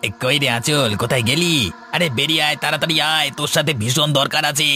কই রে আঁচল, কোথায় গেলি? আরে বেরিয়ে আয়, তাড়াতাড়ি আয়, তোর সাথে ভীষণ দরকার আছে।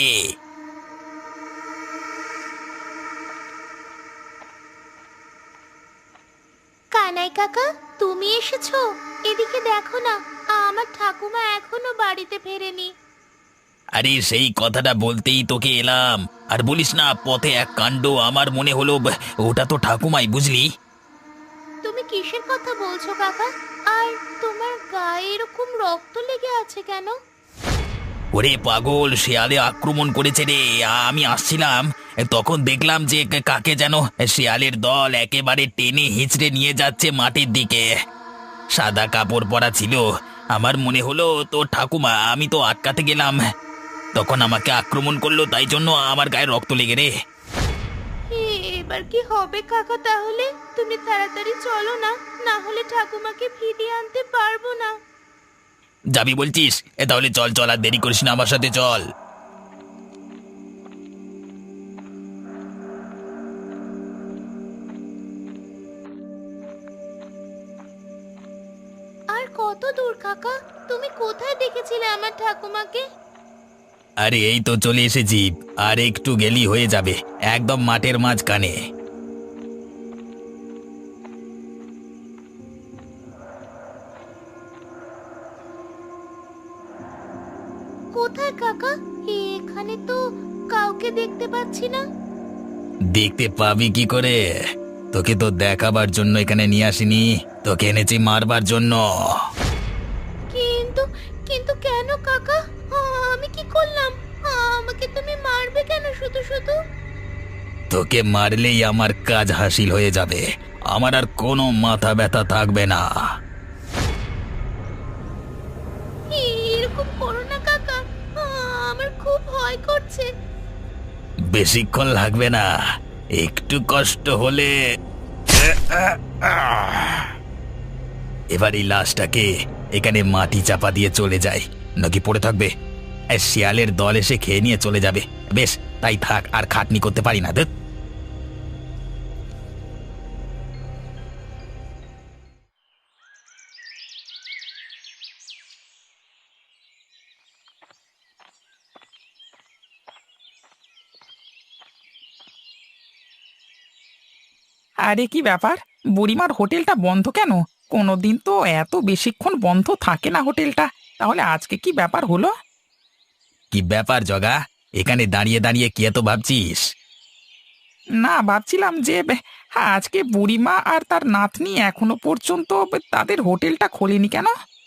কানাই কাকা, তুমি এসেছো? এদিকে দেখো না, আমার ঠাকুমা এখনো বাড়িতে ফেরেনি। আরে সেই কথাটা বলতেই তোকে এলাম। আর বলিস না, পথে এক কাণ্ড, আমার মনে হলো ওটা তো ঠাকুমাই, বুঝলি? তুমি কিসের কথা বলছো কাকা? আর তোমার গায়ে এরকম রক্ত লেগে আছে কেন? ওরে পাগল, শেয়ালে আক্রমণ করেছে রে। আমি আসছিলাম, তখন দেখলাম যে কাকে যেন শেয়ালের দল একেবারে টেনে হিঁচড়ে নিয়ে যাচ্ছে মাটির দিকে। সাদা কাপড় পরা ছিল। আমার মনে হলো তো ঠাকুমা, আমি তো আটকাতে গেলাম, তখন আমাকে আক্রমণ করলো, তাই জন্য আমার গায়ে রক্ত লেগে রে। এবার কি হবে কাকা? তাহলে তুমি তাড়াতাড়ি চলো না, না হলে ঠাকুমাকে ফিরিয়ে আনতে পারবো না। যাবি বলছিস? তাহলে চল চল, আর দেরি করিস না, আমার সাথে চল। আর কত দূর কাকা? তুমি কোথায় দেখেছিলে আমার ঠাকুমাকে? আরে এই তো চলে এসেছি, আর একটু গেলি হয়ে যাবে, একদম মাঠের মাঝখানে। কোথায় কাকা? এখানে তো কাউকে দেখতে পাচ্ছি না। দেখতে পাবি কি করে? তোকে তো দেখাবার জন্য এখানে নিয়ে আসিনি, তোকে এনেছি মারবার জন্য। কিন্তু কিন্তু কেন কাকা? আমি কি করলাম? আমাকে তুমি মারবে কেন শুধু শুধু? তোকে মারলেই আমার কাজ হাসিল হয়ে যাবে, আমার আর কোনো মাথা ব্যথা থাকবে না। এরকম করো না কাকা, আমার খুব ভয় করছে। বেশিক্ষণ লাগবে না, একটু কষ্ট হলে। এবার এই লাশটাকে এখানে মাটি চাপা দিয়ে চলে যায়, নাকি পড়ে থাকবে? শিয়ালের দল এসে খেয়ে নিয়ে চলে যাবে। বেশ, তাই থাক, আর খাটনি করতে পারি না। আরে কি ব্যাপার, বুড়িমার হোটেলটা বন্ধ কেন? কোনোদিন তো এত বেশিক্ষণ বন্ধ থাকে না হোটেলটা, তাহলে আজকে কি ব্যাপার হলো? কি ব্যাপার জগা, এখানে দাঁড়িয়ে দাঁড়িয়ে কি এত ভাবছিস? না, ভাবছিলাম যে আজকে বুড়িমা আর তার নাতনি এখনো পর্যন্ত তাদের হোটেলটা খোলেনি কেন?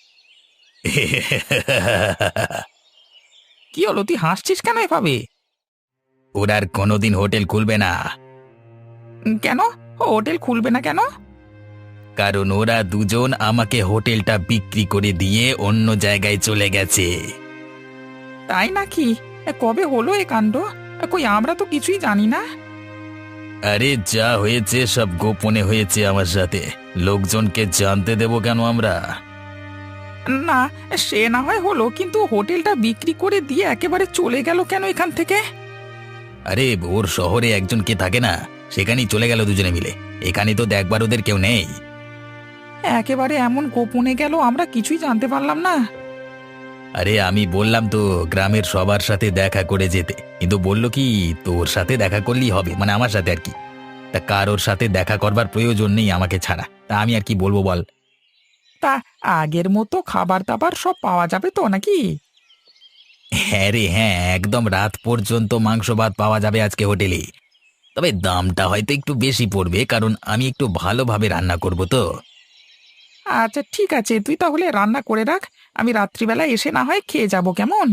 কি হলো, তুই হাসছিস কেন এভাবে? ওরা আর কোনোদিন হোটেল খুলবে না। কেন? হোটেল খুলবে না কেন? কারণ ওরা দুজন আমাকে হোটেলটা বিক্রি করে দিয়ে অন্য জায়গায় চলে গেছে। তাই নাকি? কবে হলো এ কাণ্ড? কই, আমরা তো কিছুই জানি না। আরে যা হয়েছে সব গোপনে হয়েছে আমার সাথে, লোকজনকে জানতে দেব কেন আমরা? না, সে না হয় হলো, কিন্তু হোটেলটা বিক্রি করে দিয়ে একেবারে চলে গেল কেন এখান থেকে? আরে ওর শহরে একজন কে থাকে না, সেখানেই চলে গেল দুজনে মিলে। এখানে তো দেখবার ওদের কেউ নেই। একেবারে এমন গোপনে গেল, আমরা কিছুই জানতে পারলাম না। আরে আমি বললাম তো গ্রামের সবার সাথে দেখা করে যেতে, কিন্তু বললো কি তোর সাথে দেখা করলেই হবে, মানে আমার সাথে আর কি। তা কারোর সাথে দেখা করবার প্রয়োজন নেই আমাকে ছাড়া, তা আমি আর কি বলবো বল? তা আগের মতো খাবার দাবার সব পাওয়া যাবে তো নাকি? হ্যাঁ রে হ্যাঁ, একদম রাত পর্যন্ত মাংস ভাত পাওয়া যাবে আজকে হোটেলে। তবে দামটা হয়তো একটু বেশি পড়বে, কারণ আমি একটু ভালোভাবে রান্না করব তো। আচ্ছা ঠিক আছে, তুই তাহলে রান্না করে রাখ, আমি রাত্রিবেলা এসে না হয় খেয়ে যাব, কেমন?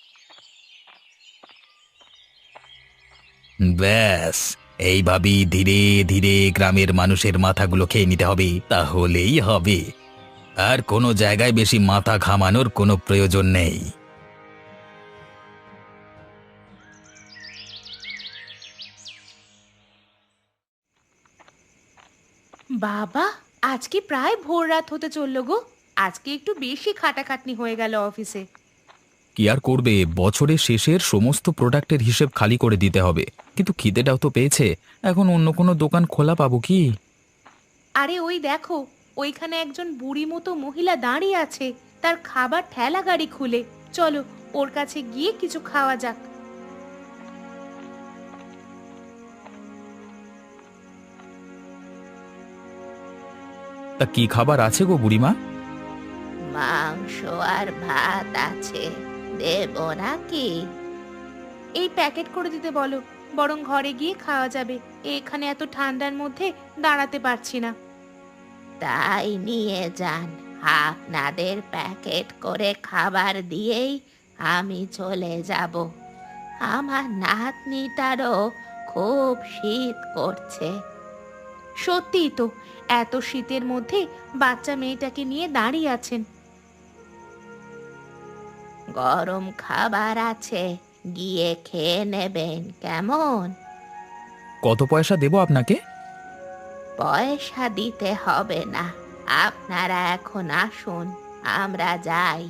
ব্যাস, এইভাবেই ধীরে ধীরে গ্রামের মানুষের মাথাগুলো খেয়ে নিতে হবে, তাহলেই হবে। আর কোনো জায়গায় বেশি মাথা ঘামানোর কোনো প্রয়োজন নেই। বাবা, আজকে প্রায় ভোর রাত হতে চললো গো। আজকে একটু বেশি খাটাখাটনি হয়ে গেল অফিসে। কি আর করবে, বছরের শেষের সমস্ত প্রোডাক্টের হিসেব খালি করে দিতে হবে। কিন্তু খিদেটাও তো পেয়েছে, এখন অন্য কোনো দোকান খোলা পাবো কি? আরে ওই দেখো, ওইখানে একজন বুড়ি মতো মহিলা দাঁড়িয়ে আছে। তার খাবার ঠেলা গাড়ি খুলে। চলো ওর কাছে গিয়ে কিছু খাওয়া যাক। তা কি খাবার আছে গো বুড়িমা? মাংস আর ভাত আছে, দেব নাকি? এই প্যাকেট করে দিতে বলো, বরং ঘরে গিয়ে খাওয়া যাবে। এখানে এত ঠান্ডার মধ্যে দাঁড়াতে পারছি না। তাই নিয়ে যান, আপনাদের প্যাকেট করে খাবার দিয়েই আমি চলে যাব। আমার নাতনিটারও খুব শীত করছে। সত্যিই তো, এত শীতের মধ্যে বাচ্চা মেয়েটাকে নিয়ে দাঁড়িয়ে আছেন। গরম খাবার আছে, গিয়ে খেয়ে নেবেন কেমন? কত পয়সা দেবো আপনাকে? পয়সা দিতে হবে না, আপনারা এখন আসুন, আমরা যাই।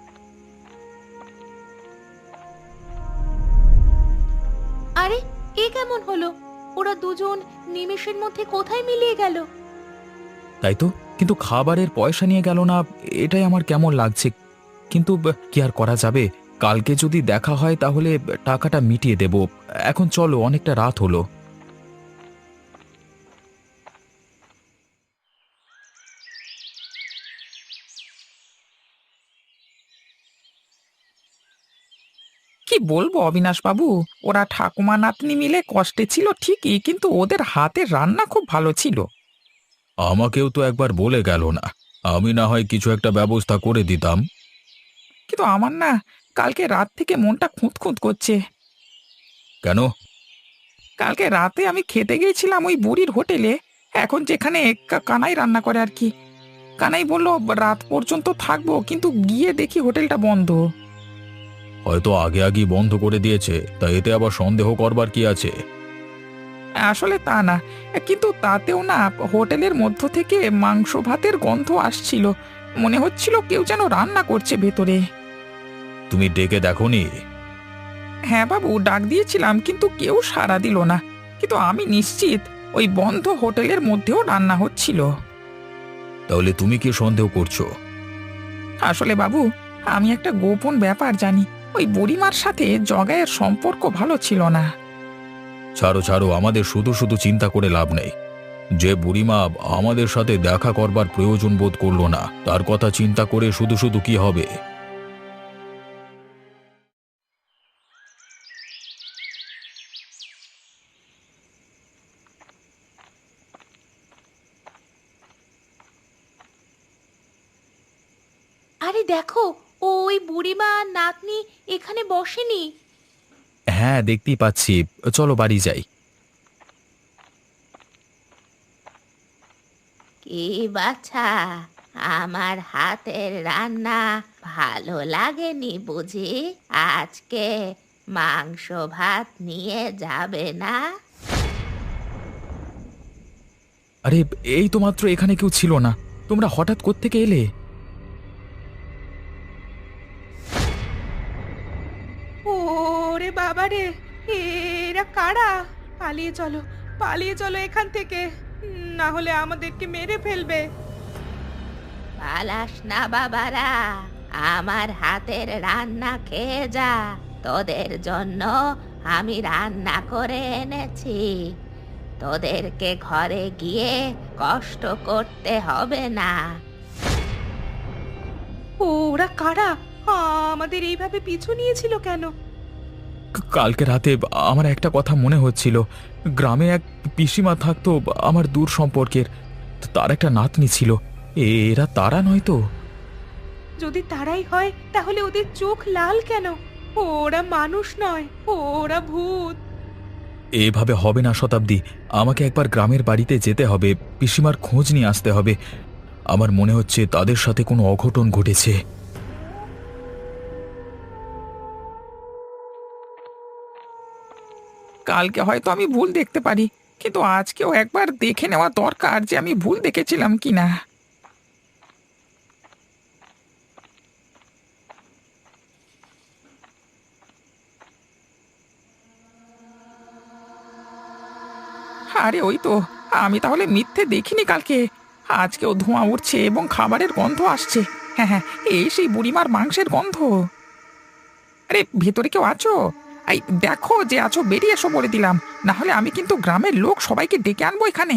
আরে এ কেমন হলো? ওরা দুজন নিমেষের মধ্যে কোথায় মিলিয়ে গেল? তাই তো, কিন্তু খাবারের পয়সা নিয়ে গেল না, এটাই আমার কেমন লাগছে। কিন্তু কি আর করা যাবে, কালকে যদি দেখা হয় তাহলে টাকাটা মিটিয়ে দেব। এখন চলো, অনেকটা রাত হলো। কি বলবো অবিনাশ বাবু, ওরা ঠাকুমা নাতনি মিলে কষ্টে ছিল ঠিকই, কিন্তু ওদের হাতের রান্না খুব ভালো ছিল। আমাকেও তো একবার বলে গেল না, আমি না হয় কিছু একটা ব্যবস্থা করে দিতাম। কিন্তু আমার না কালকে রাত থেকে মনটা খুঁতখুঁত করছে। কেন? কালকে রাতে আমি খেতে গিয়েছিলাম ওই বুড়ির হোটেলে, এখন যেখানে কানাই রান্না করে আর কি। কানাই বলল রাত পর্যন্ত থাকবো, কিন্তু গিয়ে দেখি হোটেলটা বন্ধ। হয়তো আগে আগেই বন্ধ করে দিয়েছে, তা এতে আবার সন্দেহ করবার কি আছে? আসলে তা না, কিন্তু তাতেও না হোটেলের মধ্য থেকে মাংস ভাতের গন্ধ আসছিল। মনে হচ্ছিল কেউ যেন রান্না করছে ভেতরে। তুমি ডেকে দেখোনি? হ্যাঁ বাবু, ডাক দিয়েছিলাম কিন্তু কেউ সাড়া দিল না। কিন্তু আমি নিশ্চিত ওই বন্ধ হোটেলের মধ্যেও রান্না হচ্ছিল। তাহলে তুমি কি সন্দেহ করছো? আসলে বাবু, আমি একটা গোপন ব্যাপার জানি। ওই বুড়িমার সাথে জগায়ের সম্পর্ক ভালো ছিল না। ছাড়ো ছাড়ো, আমাদের শুধু শুধু চিন্তা করে লাভ নেই। যে বুড়িমা আমাদের সাথে দেখা করবার প্রয়োজন বোধ করলো না, তার কথা চিন্তা করে শুধু শুধু কি হবে? আরে দেখো, ওই বুড়িমা আর নাতনি এখানে বসেনি। হ্যাঁ, দেখতেই পাচ্ছি। চলো বাড়ি যাই। কি বাছা, আমার হাতের রান্না ভালো লাগেনি বুঝি? আজকে মাংস ভাত নিয়ে যাবে না? আরে, এই তো মাত্র এখানে কেউ ছিল না, তোমরা হঠাৎ কোত্থেকে এলে? ওরে বাবা রে, এরা কারা? পালিয়ে চলো, পালিয়ে চলো এখান থেকে, না হলে আমাদেরকে মেরে ফেলবে। পালাস না বাবারা, আমার হাতের রান্না খেয়ে যা। তোদের জন্য আমি রান্না করে এনেছি, তোদেরকে ঘরে গিয়ে কষ্ট করতে হবে না। ওরা কারা? আমাদের এইভাবে পিছু নিয়েছিল কেন? কালকে রাতে আমার একটা কথা মনে হচ্ছিল। গ্রামে এক পিসিমা থাকতো আমার দূর সম্পর্কের, তার একটা নাতনি ছিল। এরা তারা নয় তো? যদি তারাই হয় তাহলে ওদের চোখ লাল কেন? ওরা মানুষ নয়, ওরা ভূত। এভাবে হবে না শতাব্দী, আমাকে একবার গ্রামের বাড়িতে যেতে হবে, পিসিমার খোঁজ নিয়ে আসতে হবে। আমার মনে হচ্ছে তাদের সাথে কোনো অঘটন ঘটেছে। কালকে হয়তো আমি ভুল দেখতে পারি, কিন্তু আজকেও একবার দেখে নেওয়া দরকার যে আমি ভুল দেখেছিলাম কিনা। আরে ওই তো, আমি তাহলে মিথ্যে দেখিনি কালকে। আজকেও ধোঁয়া উঠছে এবং খাবারের গন্ধ আসছে। হ্যাঁ হ্যাঁ, এই সেই বুড়িমার মাংসের গন্ধ। আরে ভেতরে কেউ আছো? এই দেখো যে আছো, বেরিয়ে এসো বলে দিলাম, না হলে আমি কিন্তু গ্রামের লোক সবাইকে ডেকে আনবো এখানে।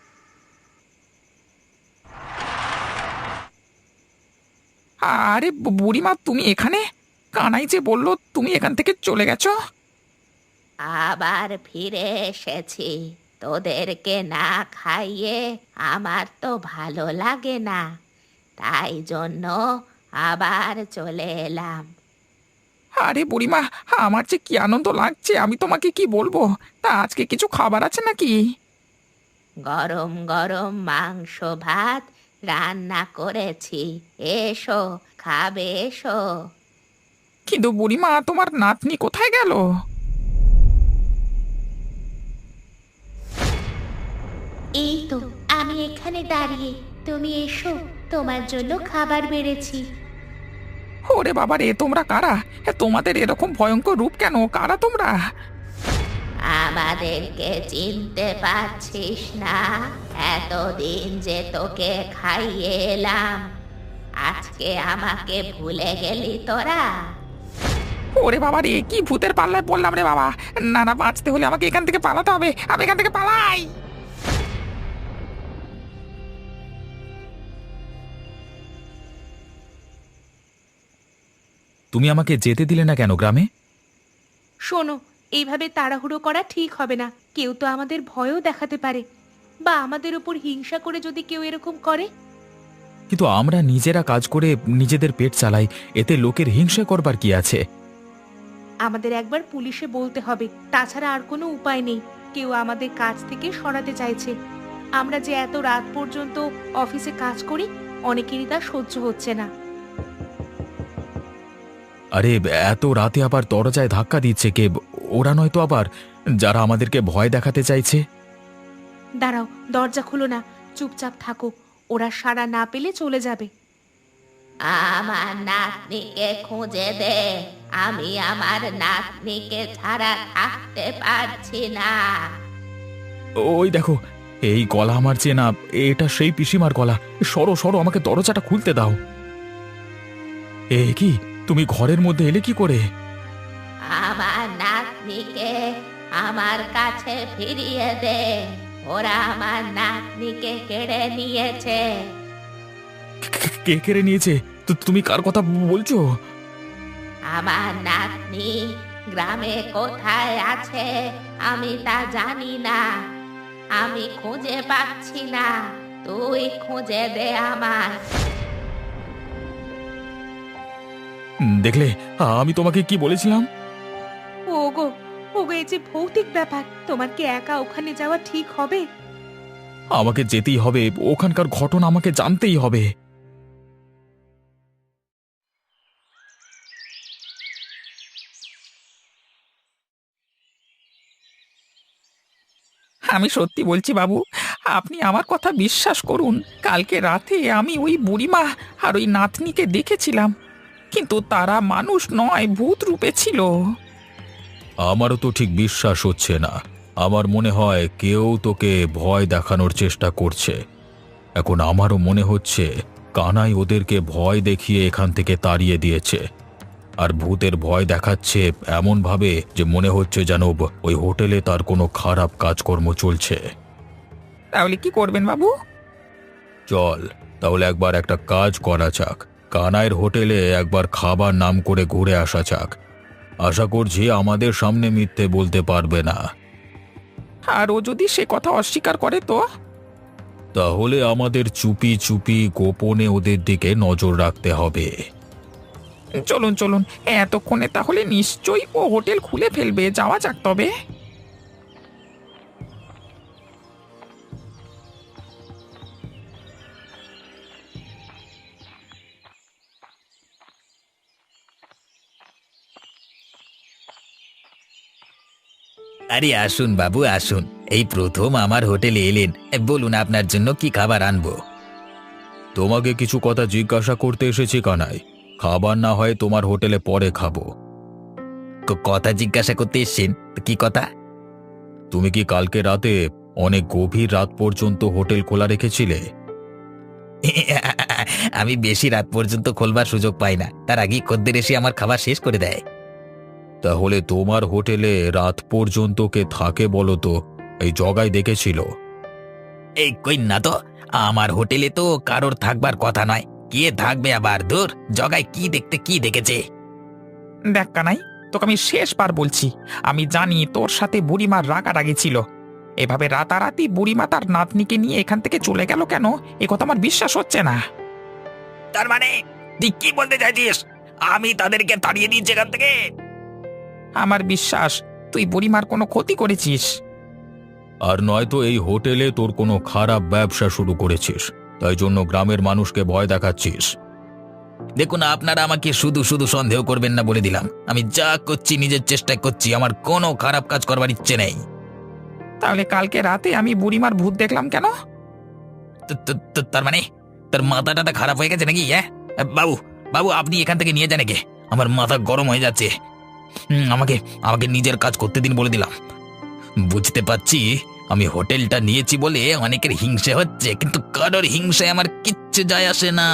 আরে বুড়িমা, তুমি এখানে? কানাই যে বললো তুমি এখান থেকে চলে গেছো। আবার ফিরে এসেছি। তোদেরকে না খাইয়ে আমার তো ভালো লাগে না, তাই জন্য আবার চলে এলাম। আরে বুড়িমা, আমার যে কি আনন্দ লাগছে আমি তোমাকে কি বলবো। তা আজকে কিছু খাবার আছে নাকি? গরম গরম মাংস ভাত রান্না করেছি, এসো খাবে এসো। কিন্তু বুড়িমা, তোমার নাতনি কোথায় গেল? এই তো আমি এখানে দাঁড়িয়ে, তুমি এসো, তোমার জন্য খাবার বেড়েছি। ওরে বাবা রে, তোমরা কারা? তোমাদের এরকম ভয়ঙ্কর রূপ কেন? কারা তোমরা? আমাদেরকে চিনতে পারছিস না? এতদিন যে তোকে খাইয়ে এলাম, আজকে আমাকে ভুলে গেলি তোরা? ওরে বাবা রে, কি ভূতের পাল্লায় পড়লাম রে বাবা। না না, বাঁচতে হলে আমাকে এখান থেকে পালাতে হবে, আমি এখান থেকে পালাই। তুমি আমাকে যেতে দিলে না কেন গ্রামে? শোনো, এইভাবে তাড়াহুড়ো করা ঠিক হবে না। কেউ তো আমাদের ভয়ও দেখাতে পারে, বা আমাদের উপর হিংসা করে যদি কেউ এরকম করে। কিন্তু আমরা নিজেরা কাজ করে নিজেদের পেট চালাই, এতে লোকের হিংসা করবার কি আছে? আমাদের একবার পুলিশে বলতে হবে, তাছাড়া আর কোনো উপায় নেই। কেউ আমাদের কাজ থেকে সরাতে চাইছে। আমরা যে এত রাত পর্যন্ত অফিসে কাজ করি, অনেকেরই তা সহ্য হচ্ছে না। আরে এত রাতে আবার দরজায় ধাক্কা দিচ্ছে কে? ওরা নয়তো আবার যারা আমাদেরকে ভয় দেখাতে চাইছে? দাঁড়াও, দরজা খুলো না, চুপচাপ থাকো, ওরা সাড়া না পেলে চলে যাবে। আমার নাতনিকে খুঁজে দে, আমি আমার নাতনিকে ছাড়া থাকতে পারছি না। ওই দেখো, এই গলা আমার চেনা, এটা সেই পিসিমার গলা। সরো সরো, আমাকে দরজাটা খুলতে দাও। এ কি, তুমি ঘরের মধ্যে এলে কি করে? আমার নাতনিকে আমার কাছে ফিরিয়ে দে, ওরা আমার নাতনিকে কেড়ে নিয়েছে। কে কেড়ে নিয়েছে? তুমি কার কথা বলছো? আমার নাতনি গ্রামে কোথায় আছে আমি তা জানি না, আমি খুঁজে পাচ্ছি না, তুই খুঁজে দে আমার। দেখলে আমি তোমাকে কি বলেছিলাম? ওগো, ওগো, এই যে ভৌতিক ব্যাপার, তোমার কি একা ওখানে যাওয়া ঠিক হবে? আমাকে যেতেই হবে, ওখানকার ঘটনা আমাকে জানতেই হবে। আমি সত্যি বলছি বাবু, আপনি আমার কথা বিশ্বাস করুন। কালকে রাতে আমি ওই বুড়িমা আর ওই নাতনিকে দেখেছিলাম, কিন্তু তারা মানুষ নয়, ভূত রূপে ছিল। আমারও তো ঠিক বিশ্বাস হচ্ছে না। আমার মনে হয় কেউ তোকে ভয় দেখানোর চেষ্টা করছে। এখন আমারও মনে হচ্ছে কানাই ওদেরকে ভয় দেখিয়ে এখান থেকে তাড়িয়ে দিয়েছে, আর ভূতের ভয় দেখাচ্ছে এমন ভাবে যে মনে হচ্ছে যেন ওই হোটেলে তার কোনো খারাপ কাজকর্ম চলছে। তাহলে কি করবেন বাবু? চল তাহলে একবার একটা কাজ করা যাক, কানাইয়ের হোটেলে একবার খাবার নাম করে ঘুরে আসা যাক। আশা করছি আমাদের সামনে মিথ্যে বলতে পারবে না। আর ও যদি সে কথা অস্বীকার করে তো? তাহলে আমাদের চুপি চুপি গোপনে ওদের দিকে নজর রাখতে হবে। চলুন চলুন, এতক্ষণে তাহলে নিশ্চয়ই ও হোটেল খুলে ফেলবে। যাওয়া যাক তবে। আরে আসুন বাবু আসুন, এই প্রথম আমার হোটেলে এলেন, বলুন আপনার জন্য কি খাবার আনবো। তোমাকে কিছু কথা জিজ্ঞাসা করতে এসেছি কানাই। খাবার না হয় তোমার হোটেলে পরে খাবো। কথা জিজ্ঞাসা করতে এসছেন? তো কি কথা? তুমি কি কালকে রাতে অনেক গভীর রাত পর্যন্ত হোটেল খোলা রেখেছিলে? আমি বেশি রাত পর্যন্ত খোলবার সুযোগ পাই না, তার আগেই খদ্দের এসে আমার খাবার শেষ করে দেয়। তাহলে তোমার হোটেলে রাত পর্যন্ত কে থাকে বলো তো? এই জগাই দেখেছিল? এই কই না তো, আমার হোটেলে তো কারোর থাকবার কথা নয়। কে থাকবে আবার? দূর, জগায় কি দেখতে কি দেখেছে? দেখ কানাই, তোকে আমি শেষবার বলছি, আমি জানি তোর সাথে বুড়িমার রাগারাগি ছিল। এভাবে রাতারাতি বুড়িমা তার নাতনিকে নিয়ে এখান থেকে চলে গেল কেন, এ কথা আমার বিশ্বাস হচ্ছে না। তার মানে তুই কি বলতে চাইছিস? আমি তাদেরকে তাড়িয়ে দিয়েছি এখান থেকে? আমার বিশ্বাস তুই বুড়িমার কোনো ক্ষতি করেছিস। আর নয়তো এই হোটেলে তোর কোনো খারাপ ব্যবসা শুরু করেছিস, তাই জন্য গ্রামের মানুষকে ভয় দেখাচ্ছিস। দেখুন, আপনারা আমাকে শুধু শুধু সন্দেহ করবেন না বলে দিলাম। আমি যা করছি নিজের চেষ্টায় করছি, আমার কোনো খারাপ কাজ করবার ইচ্ছে নেই। তাহলে কালকে রাতে আমি বুড়িমার ভূত দেখলাম কেন? তার মানে তার মাথা টাথা খারাপ হয়ে গেছে নাকি? হ্যাঁ বাবু, বাবু আপনি এখান থেকে নিয়ে যান একে, আমার মাথা গরম হয়ে যাচ্ছে। আমাকে আমাকে নিজের কাজ করতে দিন বলে দিলাম। বুঝতে পারছি আমি হোটেলটা নিয়েছি বলে অনেকের হিংসে হচ্ছে, কিন্তু কারোর হিংসায় আমার কিচ্ছু যায় আসে না।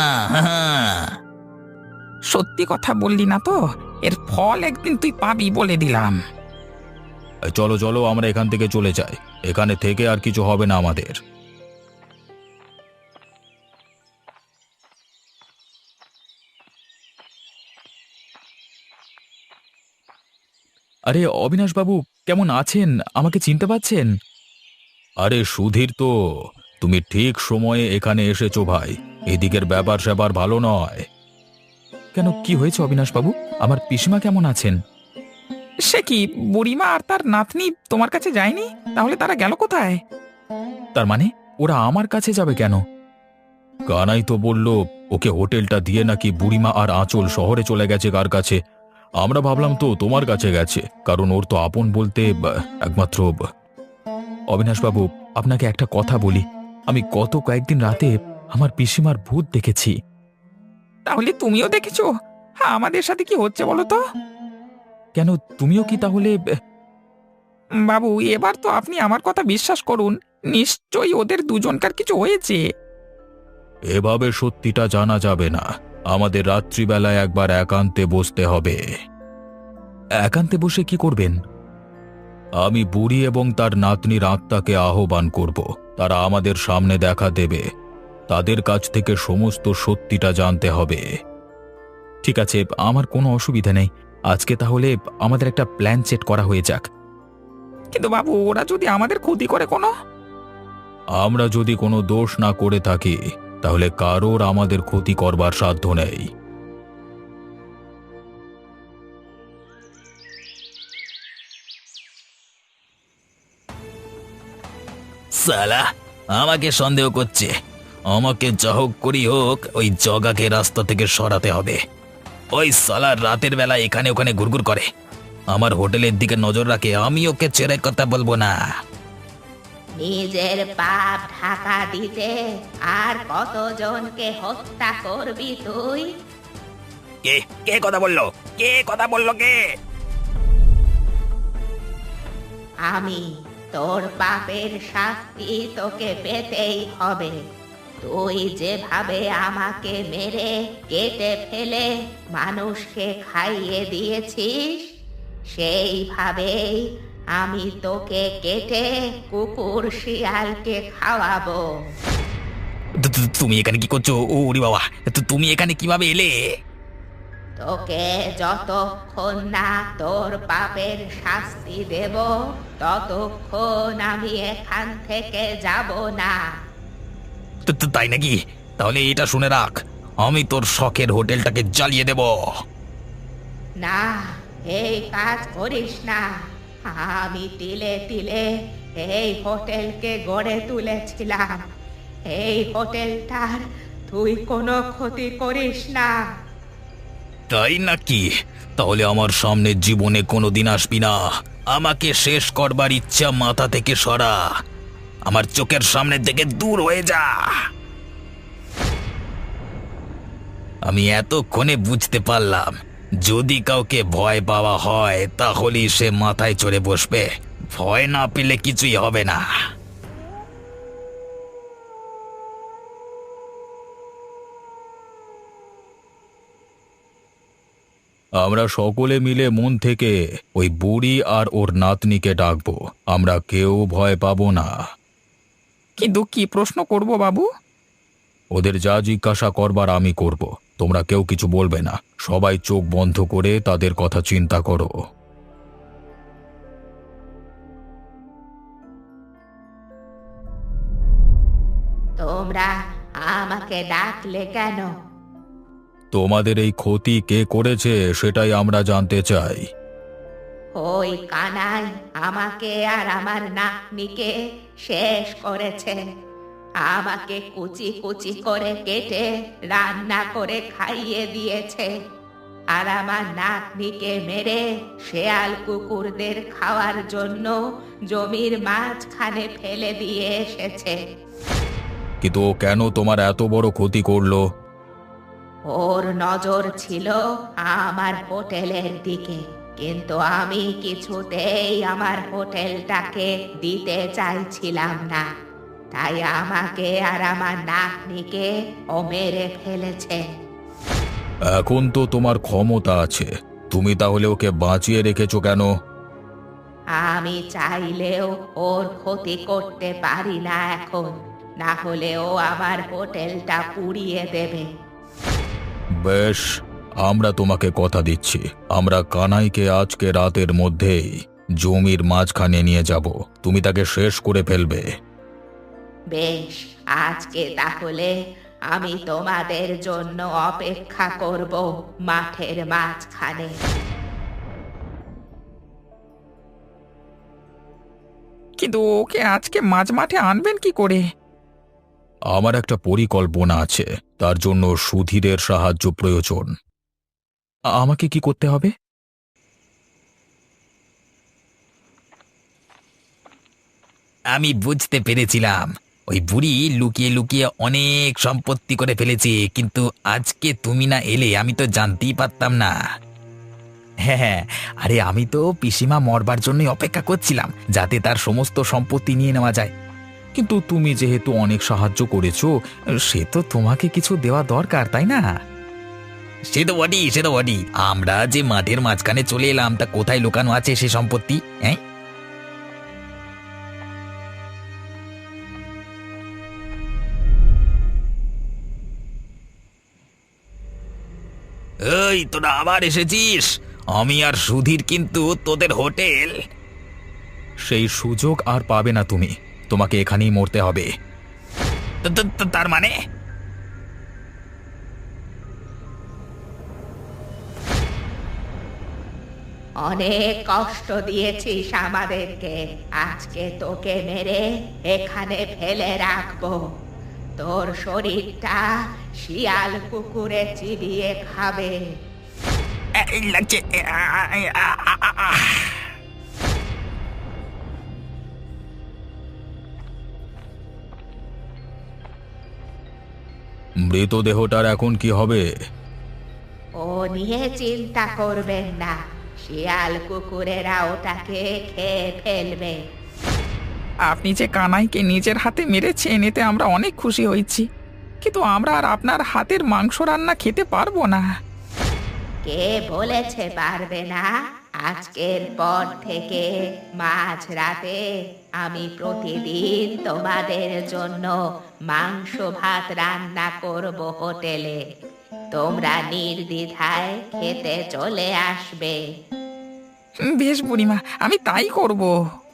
সত্যি কথা বললি না তো, এর ফল একদিন তুই পাবি বলে দিলাম। চলো চলো, আমরা এখান থেকে চলে যাই, এখানে থেকে আর কিছু হবে না আমাদের। আরে অবিনাশ বাবু, কেমন আছেন? আমাকে চিনতে পাচ্ছেন? আরে সুধীর তো, তুমি ঠিক সময়ে এখানে এসেছো ভাই। এদিকের ব্যাপার স্যাপার ভালো নয়। কেন, কি হয়েছে অবিনাশ বাবু? আমার পিসিমা কেমন আছেন? সে কি, বুড়িমা আর তার নাতনি তোমার কাছে যায়নি? তাহলে তারা গেল কোথায়? তার মানে ওরা আমার কাছে যাবে কেন? কানাই তো বলল ওকে হোটেলটা দিয়ে নাকি বুড়িমা আর আঁচল শহরে চলে গেছে কার কাছে। আমরা ভাবলাম তো তোমার কাছে গেছে, কারণ ওর তো আপন বলতে একমাত্র। অবিনাশ বাবু, আপনাকে একটা কথা বলি, আমি গত কয়েকদিন রাতে আমার পিসিমার ভূত দেখেছি। তাহলে তুমিও দেখেছো? হ্যাঁ, আমাদের সাথে কি হচ্ছে বলো তো? কেন, তুমিও কি তাহলে? বাবু, এবার তো আপনি আমার কথা বিশ্বাস করুন, নিশ্চয়ই ওদের দুজনকার কিছু হয়েছে। এভাবে সত্যিটা জানা যাবে না, আমাদের রাত্রিবেলায় একবার একান্তে বসতে হবে। একান্তে বসে কি করবেন? আমি বুড়ি এবং তার নাতনির আত্মাকে আহ্বান করব, তারা আমাদের সামনে দেখা দেবে, তাদের কাছ থেকে সমস্ত সত্যিটা জানতে হবে। ঠিক আছে, আমার কোনো অসুবিধা নেই। আজকে তাহলে আমাদের একটা প্ল্যান সেট করা হয়ে যাক। কিন্তু বাবু, ওরা যদি আমাদের ক্ষতি করে কোনো? আমরা যদি কোনো দোষ না করে থাকি, তাহলে কারোর আমাদের ক্ষতি করবার সাধ্য নেই। সালা আমাকে সন্দেহ করছে। আমাকে যা হোক করি হোক ওই জগাকে রাস্তা থেকে সরাতে হবে। ওই সালা রাতের বেলা এখানে ওখানে ঘুরঘুর করে, আমার হোটেলের দিকে নজর রাখে, আমি ওকে ছেড়ে কথা বলবো না। নিজের পাপ ঢাকা দিতে আর কতজনকে হত্যা করবি তুই? কে কে কথা বললো? কে কথা বললো? কে? আমি। তোর পাপের শাস্তি তোকে পেতেই হবে। তুই যেভাবে আমাকে মেরে কেটে ফেলে মানুষকে খাইয়ে দিয়েছিস, সেইভাবেই আমি তোকে কেটে কুকুর শিয়ালকে খাওয়াবো। তুমি এখানে কি করছো? ওরে বাবা, তুমি এখানে কিভাবে এলে? তোকে যতক্ষণ না তোর পাপের শাস্তি দেব, ততক্ষণ আমি এখান থেকে যাব না। তাই নাকি? তাহলে এটা শুনে রাখ, আমি তোর শখের হোটেলটাকে জ্বালিয়ে দেব। না, এই কাজ করিস না। আমি তিলে তিলে এই হোটেলকে গড়ে তুলেছিলাম। এই হোটেলটার তুই কোনো ক্ষতি করিস না। তাই নাকি? তাহলে আমার সামনে জীবনে কোনোদিন আসবি না। আমাকে শেষ করবার ইচ্ছা মাথা থেকে সরা, আমার চোখের সামনে থেকে দূর হয়ে যা। আমি এতক্ষণে বুঝতে পারলাম, যদি কাউকে ভয় পাওয়া হয় তাহলেই সে মাথায় চড়ে বসবে, ভয় না পেলে কিছুই হবে না। আমরা সকলে মিলে মন থেকে ওই বুড়ি আর ওর নাতনিকে ডাকবো। আমরা কেউ ভয় পাবো না। কিন্তু কি প্রশ্ন করব বাবু? ওদের যা জিজ্ঞাসা করবার আমি করব। তোমরা কেউ কিছু বলবে না। সবাই চোখ বন্ধ করে তাদের কথা চিন্তা করো। তোমরা আমাকে ডাকলে কেন? তোমাদের এই ক্ষতি কে করেছে সেটাই আমরা জানতে চাই। ওই কানাই আমাকে আর আমার নাতনিকে শেষ করেছে। আমাকে কুচি কুচি করে কেটে রান্না করে খাইয়ে দিয়েছে, আর আমার নাতনিকে মেরে শেয়াল কুকুরদের খাওয়ার জন্য জমির মাঝখানে ফেলে দিয়ে এসেছে। কিন্তু ও কেন তোমার এত বড় ক্ষতি করলো? ওর নজর ছিল আমার হোটেলের দিকে, কিন্তু আমি কিছুতেই আমার হোটেলটাকে দিতে চাইছিলাম না, তাই আমাকে আর আমার নাতনিকে ও মেরে ফেলেছে। এখন তো তোমার ক্ষমতা আছে, তুমি তাহলে ওকে বাঁচিয়ে রেখেছো কেন? আমি চাইলেও ওর ক্ষতি করতে পারি না এখন, না হলে ও আমার হোটেলটা পুড়িয়ে দেবে। বেশ, আমরা তোমাকে কথা দিচ্ছি, আমরা কানাইকে আজকে রাতের মধ্যেই জমির মাঝখানে নিয়ে যাব। তুমি তাকে শেষ করে ফেলবে। বেশ, আজকে তাহলে আমি তোমাদের জন্য অপেক্ষা করব মাঠের মাঝখানে। কিন্তু ওকে আজকে মাঝ মাঠে আনবেন কি করে? আমার একটা পরিকল্পনা আছে, তার জন্য সুধীরের সাহায্য প্রয়োজন। আমাকে কি করতে হবে? আমি বুঝতে পেরেছিলাম ওই বুড়ি লুকিয়ে লুকিয়ে অনেক সম্পত্তি করে ফেলেছে, কিন্তু আজকে তুমি না এলে আমি তো জানতেই পারতাম না। হ্যাঁ হ্যাঁ, আরে আমি তো পিসিমা মরবার জন্যই অপেক্ষা করছিলাম, যাতে তার সমস্ত সম্পত্তি নিয়ে নেওয়া যায়। কিন্তু তুমি যেহেতু অনেক সাহায্য করেছো, সে তো তোমাকে কিছু দেওয়া দরকার, তাই না? সে তো বডি, সে তো বডি। আমরা যে মাঠের মাঝখানে চলে এলাম, তা কোথায় লুকানো আছে সে সম্পত্তি? হ্যাঁ, এই তোরা আবার এসেছিস? আমি আর সুধীর কিন্তু তোদের হোটেল। সেই সুযোগ আর পাবে না তুমি, তোমাকে এখানেই মরতে হবে। তার মানে? অনেক কষ্ট দিয়েছিস আমাদেরকে, আজকে তোকে মেরে এখানে ফেলে রাখবো। তোর শরীরটা শিয়াল কুকুরে চিবিয়ে খাবে। এই লাগছে। মৃতদেহটার এখন কি হবে? ও নিয়ে চিন্তা করবেন না, শিয়াল কুকুরেরা ওটাকে খেয়ে ফেলবে। আপনি যে কানাইকে নিজের হাতে মেরেছেন, এতে আমরা অনেক খুশি হয়েছি, কিন্তু আমরা আর আপনার হাতের মাংস রান্না খেতে পারবো না। কে বলেছে পারবে না? আজকের পর থেকে মাঝরাতে আমি প্রতিদিন তোমাদের জন্য মাংস ভাত রান্না করব হোটেলে। তোমরা নির্দ্বিধায় খেতে চলে আসবে। বেশ বুড়িমা, আমি তাই করব।